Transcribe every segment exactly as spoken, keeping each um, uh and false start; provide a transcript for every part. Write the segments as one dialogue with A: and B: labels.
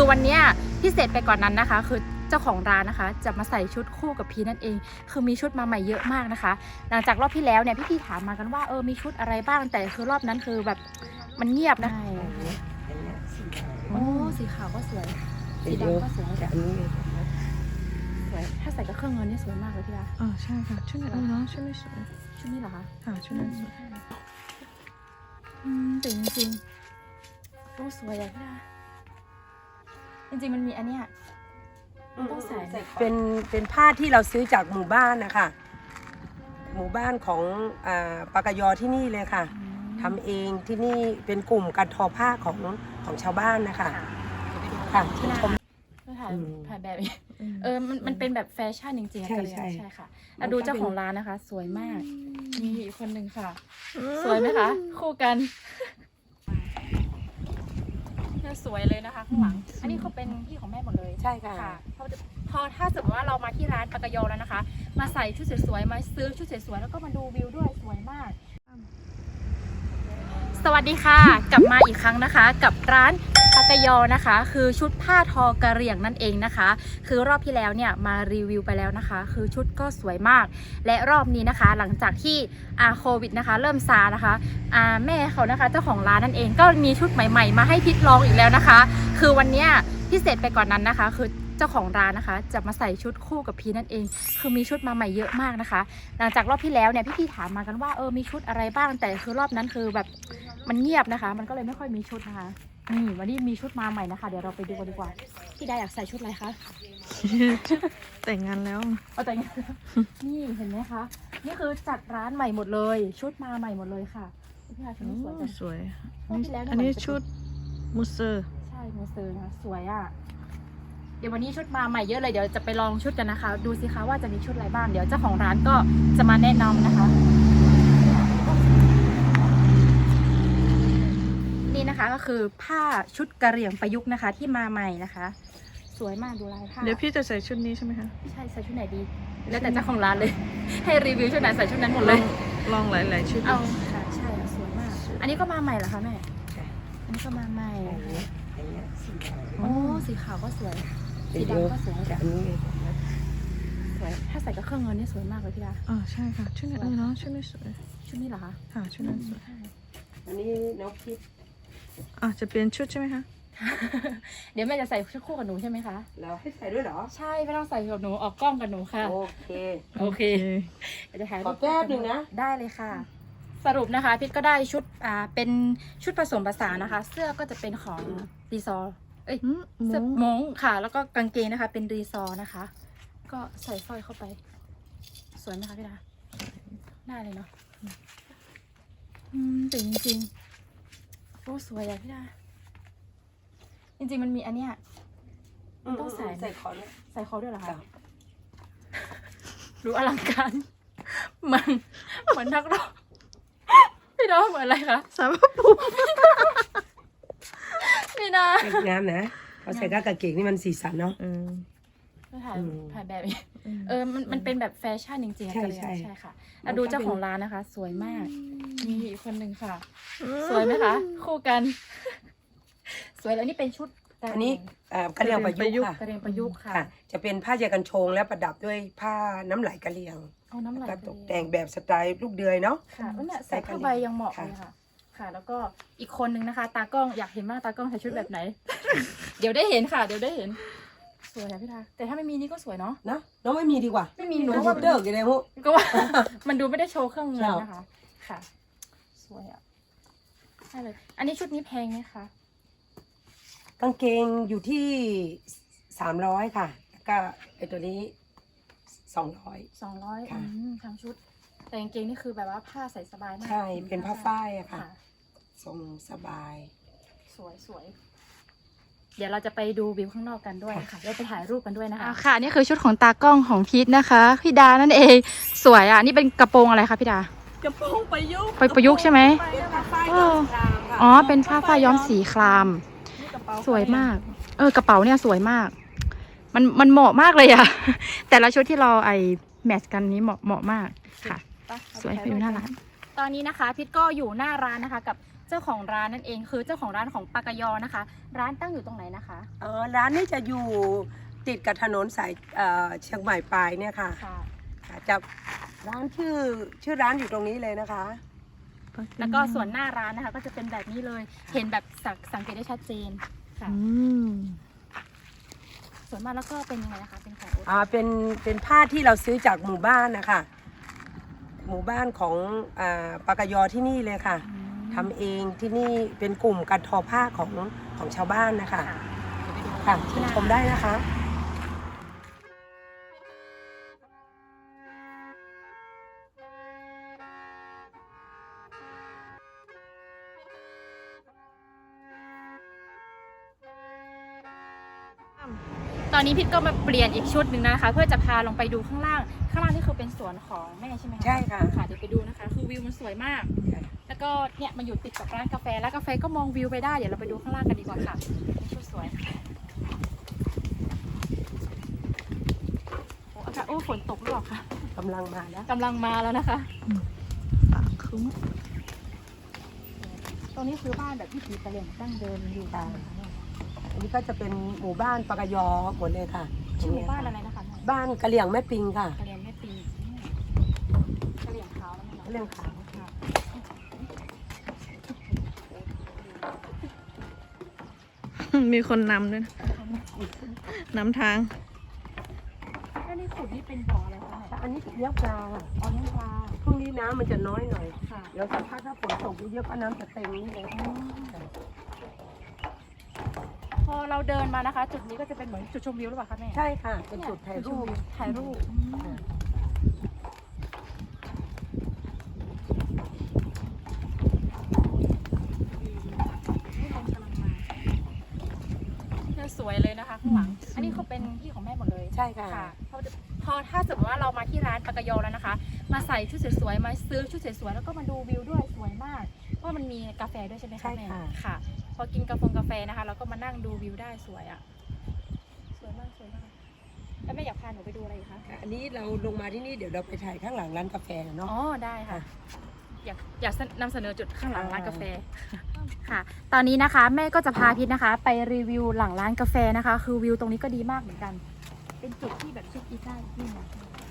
A: คือวันนี้พิเศษไปกว่านนั้นนะคะคือเจ้าของร้านนะคะจะมาใส่ชุดคู่กับพีนั่นเองคือมีชุดมาใหม่เยอะมากนะคะหลังจากรอบที่แล้วเนี่ยพี่ๆถามมากันว่าเออมีชุดอะไรบ้างแต่คือรอบนั้นคือแบบมันเงียบนะโอ้สีขาวก็สวยสีดำก็สวยแต่อันนี้สวยถ้าใส่กับเครื่องเงินนี่สวยมากเลยพี่ดา
B: อ๋อใช่ค่ะชุดนี้เนาะชุดนี้สวย
A: ชุดนี้เหรอคะ
B: ค่ะชุดนี้สวย
A: อืมแต่จริงๆโอ้สวยอะพี่ดาจริงๆมันมีอันเนี้ยต้องใส่
C: เป็นเป็นผ้าที่เราซื้อจากหมู่บ้านนะคะหมู่บ้านของอ่าปากยอที่นี่เลยค่ะทำเองที่นี่เป็นกลุ่มการทอผ้าของของชาวบ้านนะคะค่ะที่ชม
A: ถ่ายถ่ายแบบเออมันมันเป็นแบบแฟชั่นจริงๆ
C: ใช่ใช่
A: ใช่ค่ะอ่ะดูเจ้าของร้านนะคะ สวยมากมีอีกคนหนึ่งค่ะสวยไหมคะคู่กันเนี่ยสวยเลยนะคะข้างหลังอันนี้เขาเป็นที่ของแม่หมดเลย
C: ใช่ค่ะ
A: พอพอถ้าสมมติว่าเรามาที่ร้านปากยอแล้วนะคะมาใส่ชุดสวยๆมาซื้อชุดสวยๆแล้วก็มาดูวิวด้วยสวยมากสวัสดีค่ะกลับมาอีกครั้งนะคะกับร้านปากยอนะคะคือชุดผ้าทอกระเหรี่ยงนั่นเองนะคะคือรอบที่แล้วเนี่ยมารีวิวไปแล้วนะคะคือชุดก็สวยมากและรอบนี้นะคะหลังจากที่อาโควิดนะคะเริ่มซานะคะอาแม่เขานะคะเจ้าของร้านนั่นเองก็มีชุดใหม่ๆมาให้พิทลองอีกแล้วนะคะคือวันนี้พิเศษไปกว่านนั้นนะคะคือเจ้าของร้านนะคะจะมาใส่ชุดคู่กับพีนั่นเองคือมีชุดมาใหม่เยอะมากนะคะหลังจากรอบที่แล้วเนี่ยพี่ๆถามมากันว่าเออมีชุดอะไรบ้างแต่คือรอบนั้นคือแบบมันเงียบนะคะมันก็เลยไม่ค่อยมีชุดนะคะนี่วันนี้มีชุดมาใหม่นะคะเดี๋ยวเราไปดูกันดีกว่าพี่ดาอยากใส่ชุดอะไรคะ
B: แต่งงานแล้ว
A: เอาแต่งงานนี่เห็นไหมคะนี่คือจัดร้านใหม่หมดเลยชุดมาใหม่หมดเลยค่ะพี่ดาชุดนี้สวยจัง
B: สวย
A: อัน
B: นี้ชุดมูเซอร์
A: ใช่มูเซอร์นะสวยอ่ะเดี๋ยววันนี้ชุดมาใหม่เยอะเลยเดี๋ยวจะไปลองชุดกันนะคะดูสิคะว่าจะมีชุดอะไรบ้างเดี๋ยวเจ้าของร้านก็จะมาแนะนำนะคะนี่นะคะก็คือผ้าชุดกะเหรี่ยงประยุกต์นะคะที่มาใหม่นะคะสวยมากดูลายผ้า
B: เดี๋ยวพี่จะใส่ชุดนี้ใช่ไหมคะ
A: ใช่ใส่ชุดไหนดีแล้วแต่เจ้าของร้านเลยให้รีวิวชุดไหนใส่ชุดนั้นหมดเลย
B: ลองหลายๆชุด
A: เอาค่ะใช่สวยมากอันนี้ก็มาใหม่เหรอคะแม่อันนี้ก็มาใหม่โอ้สีขาวก็สวยสีดำก็สวย
C: แต่อันนี้
A: สวยถ้าใส่กับเครื่องเงินนี่สวยมากเลยพี่ดา
B: อ๋อใช่ค่ะชุดนี้เนาะชุดนี้สวย
A: ชุดนี้เหรอคะ
B: ค่ะชุดนี้สวย
C: อันนี้น้องพิษ
B: อ่ะจะเปลี่ยนชุดใช่ไหมคะ
A: เดี๋ยวแม่จะใส่ชุดคู่กับหนูใช่ไหมคะ
C: แล้วให้ใส่ด้วยเหรอ
A: ใช่ไม่ต้องใส่กับหนูออกกล้องกับหนูค่ะ
C: โอเค
A: โอเคเดี๋ยวจะถ่าย
C: ขอแป๊บหนึ่งนะ
A: ได้เลยค่ะสรุปนะคะพิษก็ได้ชุดอ่าเป็นชุดผสมผสานนะคะเสื้อก็จะเป็นของรีซอร์เอ้ยเสื้อมงค่ะแล้วก็กางเกงนะคะเป็นรีซอร์นะคะก็ใส่สร้อยเข้าไปสวยไหมคะพี่ดาได้เลยเนาะอืมแต่จริงๆโอ้สวยอะพี่ดาจริงๆมันมีอันเนี้ยต้องใส่
C: ใส่คอด้วย
A: ใส่คอด้วยเหรอคะรู้อลังการมันเหมือนนักร้องพี่ดาเหมือนอะไรคะ
B: สาวปุ๊บ
A: พี่ดาง
C: ามนะเขาใส่กางเกงนี่มันสีสันเนาะ
A: ก็ถ่ายถ่ายแบบเออมันมันเป็นแบบแฟชั่นจริงๆใช่ใช่ใช่ค่ะอ่ะดูเจ้าของร้านนะคะสวยมากมีอีกคนหนึ่งค่ะสวยไหมคะคู่กันสวยแล้วนี่เป็นชุด
C: อันนี้กระเหรี่ยงประยุกต์ค่ะ
A: กระเหรี่ยงประยุกต์ค่ะ
C: จะเป็นผ้าเยกันชงและประดับด้วยผ้าน้ำไหลกระเหรี่ยง
A: เอาน้ำไหล
C: ตกแต่งแบบสไตล์ลูกเดือยเนาะ
A: ค่ะเนี่ยใส่ผ้าใบยังเหมาะเลยค่ะค่ะแล้วก็อีกคนนึงนะคะตากล้องอยากเห็นมากตากล้องใส่ชุดแบบไหนเดี๋ยวได้เห็นค่ะเดี๋ยวได้เห็นสวยอะพี่ดาแต่ถ้าไม่มีนี่ก็สวยเนาะ
C: นะน้องไม่มีดีกว่า
A: ไม่มีหนู
C: ว่าเดิกอย่างไรพวก
A: ก็ว่ามันดูไม่ได้โชว์เครื่องเงินนะคะค่ะสวยอะใช่เลยอันนี้ชุดนี้แพงไหมคะ
C: กางเกงอยู่ที่สามร้อยค่ะแล้วก็ไอตัวนี้สองร้อย
A: สองร้อยทั้งชุดแต่กางเกงนี่คือแบบว่าผ้าใส่สบายมาก
C: ใช่เป็นผ้าฝ้ายอะค่ะทรงสบาย
A: สวยสวยเดี๋ยวเราจะไปดูวิวข้างนอกกันด้วยค่ะเราไปถ่ายรูปกันด้วยนะคะค่ะนี่คือชุดของตากล้องของพีทนะคะพี่ดานั่นเองสวยอ่ะนี่เป็นกระโปรงอะไรคะพี่ดาก
B: ระโปรงประยุกต์
A: ไปประยุกต์ใช่ไหมอ๋อเป็นผ้าฝ้ายย้อมสีครามสวยมากเออกระเป๋าเนี่ยสวยมากมันมันเหมาะมากเลยอะแต่ละชุดที่เราไอแมทช์กันนี้เหมาะเหมาะมากค่ะสวยไปดูหน้าร้านตอนนี้นะคะพีทก็อยู่หน้าร้านนะคะกับเจ้าของร้านนั่นเองคือเจ้าของร้านของปากยอนะคะ ร้านตั้งอยู่ตรงไหนนะคะ
C: อ๋อร้านนี้จะอยู่ติดกับถนนสายเอ่อเชียงใหม่ปลายเนี่ยค่ะ
A: ค่ะ
C: ค่ะจะร้านชื่อชื่อร้านอยู่ตรงนี้เลยนะคะ
A: แล้วก็ส่วนหน้าร้านนะคะก็จะเป็นแบบนี้เลย เห็นแบบสังสังเกตได้ชัดเจนค่ะ
B: อืม
A: ส่วนมากแล้วก็เป็นยังไงนะคะเป็นของโอ๊ต
C: อ่าเป็นเป็นผ้าที่เราซื้อจากหมู่บ้านนะคะหมู่บ้านของอ่าปากยอที่นี่เลยค่ะทำเองที่นี่เป็นกลุ่มการทอผ้าของของชาวบ้านนะคะ
A: ค่ะเดี๋ยวไปดู
C: ค่ะเชิญชมได้นะคะ
A: ตอนนี้พิทก็มาเปลี่ยนอีกชุดหนึ่งนะคะ เพื่อจะพาลงไปดูข้างล่างข้างล่างนี่คือเป็นสวนของแม่ใช่ไหมคะ
C: ใช่ค่ะ
A: ค่ะเดี๋ยวไปดูนะคะ คือวิวมันสวยมาก แล้วก็เนี่ยมันอยู่ติดกับร้านกาแฟร้านกาแฟก็มองวิวไปได้เดี๋ยวเราไปดูข้างล่างกันดีกว่าค่ะชุดสวยโอ้อากาศโอ้ฝนตกหรือเปล่าคะ
C: กำลังมาแล้ว
A: กำลังมาแล้วนะคะ
B: ปากคุ้ม
A: ตรงนี้คือบ้านแบบวิถีกะเหรี่ยงดั้งเดิมอยู่
C: ค่ะ อันนี้ก็จะเป็นหมู่บ้านปากยอหมดเลยค่ะ
A: ชื่อหมู่บ้านอะไรนะคะ
C: บ้านกะเหลี่ยงแม่ปิงค่ะ
A: กะเหรี่ยงแม่ปีกะเหรี่ยงขาวแล้วมั้ง
C: กะเหลี่ยงขาว
A: ค่ะ
B: มีคนนำด้วยนะนำทาง
A: แล้วนี่ขุดนี่เป็นบ่ออะไรคะเนี่ย
C: อันนี้เลี้ยงปลา
A: อ๋อเลี้ยงปลา
C: พรุ่งนี้น้ำมันจะน้อยหน่อย
A: ค่ะ
C: เดี๋ยวสักพักถ้าฝนตกเยอะๆก็น้ำจะเต็มนี่เลย
A: พอเราเดินมานะคะ จุดนี้ก็จะเป็นเหมือนจุดชมวิวหรือเปล่าคะแม่
C: ใช่ค่ะ เป็นจุดถ่ายรูป
A: ถ่ายรูปเนี่ยสวยเลยนะคะข้างหลัง อันนี้เขาเป็นที่ของแม่หมดเลย
C: ใช่ค่ะ
A: ค่ะพอพอถ้าสมมติว่าเรามาที่ร้านปากยอแล้วนะคะ มาใส่ชุดสวยๆมาซื้อชุดสวยๆแล้วก็มาดูวิวด้วยสวยมากเพราะมันมีกาแฟด้วยใช่ไหมคะ
C: ใช่
A: แม่
C: ค่ะ
A: ค่ะ พอกินกาแฟกาแฟนะคะเราก็มานั่งดูวิวได้สวยอ่ะสวยมากสวยมากแล้วแม่อยากพาหนูไปดูอะไรอีกคะ
C: ค่ะอันนี้เราลงมาที่นี่เดี๋ยวเราไปถ่ายข้างหลังร้านกาแฟเนาะ
A: อ๋อได้ค่ะ
C: ค่ะ
A: อยากอยากนำเสนอจุดข้างหลังร้านกาแฟค่ะ ตอนนี้นะคะแม่ก็จะพาพิทนะคะ ไปรีวิวหลังร้านกาแฟนะคะ คือวิวตรงนี้ก็ดีมากเหมือนกัน เป็นจุดที่แบบเช็คอินได้ที่นึง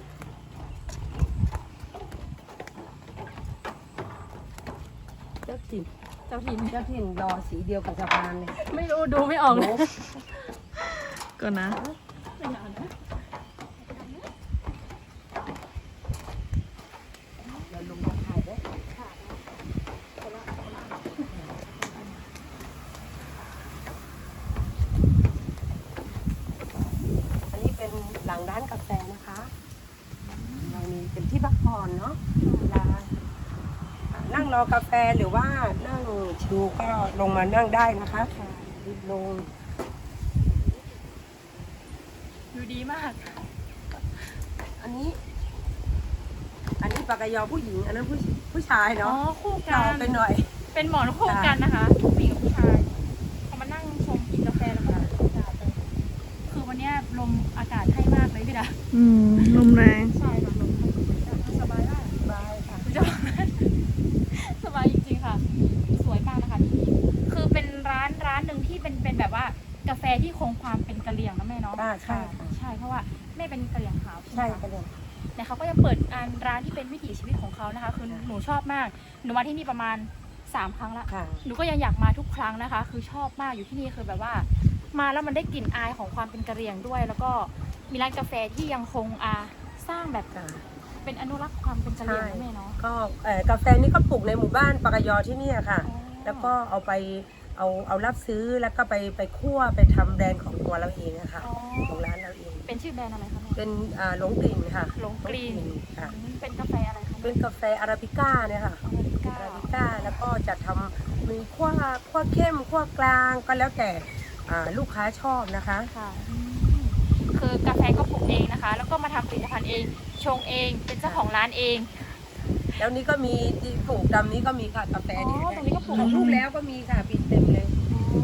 C: เจ้าถิ่น
A: เจ้าถิ่น
C: เจ้าถิ่นรอสีเดียวกับสะพานเลย
A: ไม่รู้ดูไม่ออกเลย
C: โอ้
B: ก็นะ
A: ไม่นานนะ
C: เราลงมาถ่ายได้อันนี้เป็นหลังร้านกาแฟนะคะเรามีเป็นที่พักผ่อนเนาะเวลานั่งรอกาแฟหรือว่านั่งชิลก็ลงมานั่งได้นะคะรีบลง
A: ดูดีมาก
C: อันนี้ อันนี้ปากกายอผู้หญิง อันนั้นผู้ผู้ชาย
A: อ๋อ
C: เนาะ
A: คู่กั
C: เรา
A: น
C: ไปหน่อย
A: เป็นหมอนคู่กันนะคะผู้หญิงกับผู้ชายเขามานั่งชมกินกาแฟแล้วก็ดูอากาศเลยคือวันเนี้ยลมอากาศให้มากเลยพี่ดา
B: อืม ลมแรง
A: ใช่ค่ะลมสบายมาก
C: สบายค่ะ
A: จะสบายจริงๆค่ะ สวยมากนะคะที่นี่คือเป็นร้านร้านหนึ่งที่เป็นเป็นแบบว่ากาแฟที่คงความเป็นกะเหรี่ยงนะแม่เนาะ
C: อ่าใช่ค่ะ
A: ใช่เพราะว่าแม่เป็นกะเหรี่ยงขาว
C: ใช่
A: ไหม
C: ก็
A: คะ
C: เลย
A: แต่เขาก็จะเปิดร้านร้านที่เป็นวิถีชีวิตของเขานะคะ คือหนูชอบมาก หนูมาที่นี่ประมาณสามครั้งละ
C: ค่ะ
A: หนูก็ยังอยากมาทุกครั้งนะคะ คือชอบมากอยู่ที่นี่คือแบบว่า มาแล้วมันได้กลิ่นอายของความเป็นกะเหรี่ยงด้วย แล้วก็มีร้านกาแฟที่ยังคงอาสร้างแบบ
C: ค่ะ
A: เป็นอนุรักษ์ความเป็นกะเหรี่ยง
C: ใช่
A: นะแม่เนาะ
C: ก็เอ่อกาแฟนี่ก็ปลูกในหมู่บ้านปากกายอที่เนี่ยค่ะ แล้วก็เอาไปเอาเอารับซื้อแล้วก็ไปไปคั่วไปทำแบรนด์ของตัวเราเองอะค่ะ
A: อ๋อ
C: ของร้านเราเอง
A: เป็นชื่อแบรนด์อะไรคะแม่
C: เป็นอ่าหลงกลิ่นค่ะ
A: หลงกลิ่น
C: ค่ะ
A: อืมเป็นกาแฟอะไรคะ
C: เป็นกาแฟอาราบิก้าเนี่ยค่ะ
A: อเมริกา
C: อาราบิก้าแล้วก็จะทำมีขั้วขั้วเข้มขั้วกลางก็แล้วแต่อ่าลูกค้าชอบนะคะ
A: ค่ะอืมคือกาแฟก็ปลูกเองนะคะ แล้วก็มาทำผลิตภัณฑ์เอง ชงเอง เป็นเจ้าของร้านเอง
C: แล้วนี้ก็มีที่ปลูกดำนี้ก็มีค่ะกาแฟ
A: อ๋อตรงนี้ก็ปลูก
C: ของลูกแล้วก็มีค่ะปิดเต็มเลย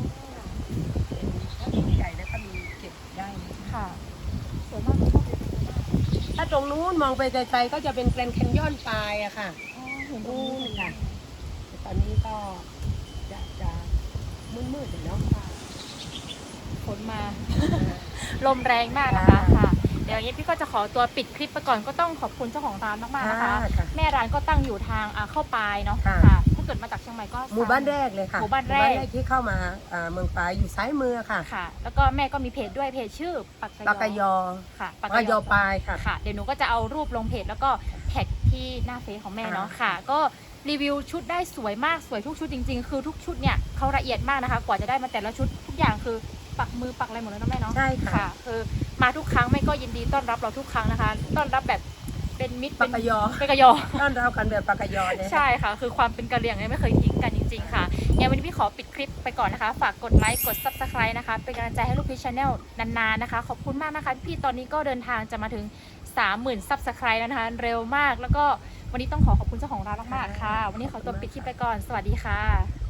C: ถ้าลูกใหญ่แล้วก็มีเก็บได้เลย
A: ค่ะสวยมากชอบเลย
C: ถ้าตรงนู้นมองไปไกลๆก็จะเป็นแกรนด์แคนยอนปลายอะค่ะ
A: อ๋อเห็นตรง
C: นู่
A: นี้
C: นค่ะแต่ตอนนี้ก็มืดๆเนาะ
A: ฝนมา ลมแรงมากนะคะค่ะเดี๋ยวนี้พี่ก็จะขอตัวปิดคลิปไปก่อนก็ต้องขอบคุณเจ้าของร้านมากๆนะคะ
C: ค่ะ
A: แม่ร้านก็ตั้งอยู่ทางอ่าเข้าปลายเนาะ
C: ค่ะ
A: ค่ะถ้าเกิดมาจากเชียงใหม่ก็
C: หมู่บ้านแรกเลยค่ะ
A: หมู่บ้านแรก
C: ที่เข้ามาอ่าเมืองปายอยู่ซ้ายมือค่ะ
A: ค่ะ แล้วก็แม่ก็มีเพจด้วยเพจชื่อปัก
C: ปากกยอ
A: ค่ะ
C: ปากกยอปลายค่ะ
A: ค่ะเดี๋ยวหนูก็จะเอารูปลงเพจแล้วก็แท็กที่หน้าเฟซของแม่เนาะค่ะ ก็รีวิวชุดได้สวยมากสวยทุกชุดจริงๆ คือทุกชุดเนี่ยเขาละเอียดมากนะคะ กว่าจะได้มาแต่ละชุดทุกอย่างคือปักมือปักอะไรหมดเลยนะแม่เนาะ
C: ใช่ค่ะ
A: ค่ะคือมาทุกครั้งแม่ก็ยินดีต้อนรับเราทุกครั้งนะคะ ต้อนรับแบบเป็นมิตร
C: ปากกยอ
A: เป็นกะยอ
C: ต้อนรับกันแบบปากกยอเนี่ย
A: ใช่ค่ะ คือความเป็นกะเหรี่ยงเนี่ยไม่เคยทิ้งกันจริงๆค่ะงั้นวันนี้พี่ขอปิดคลิปไปก่อนนะคะ ฝากกดไลค์กด ซับสไครบ์ นะคะเป็นกำลังใจให้ลูกพี่ชาแนลนานๆนะคะขอบคุณมากนะคะพี่ตอนนี้ก็เดินทางจะมาถึง สามหมื่น ซับสไครบ์แล้วนะคะเร็วมากแล้วก็วันนี้ต้องขอขอบคุณเจ้าของร้านมากๆค่ะ วันนี้ขอตัวปิดคลิปไปก่อนสวัสดีค่ะ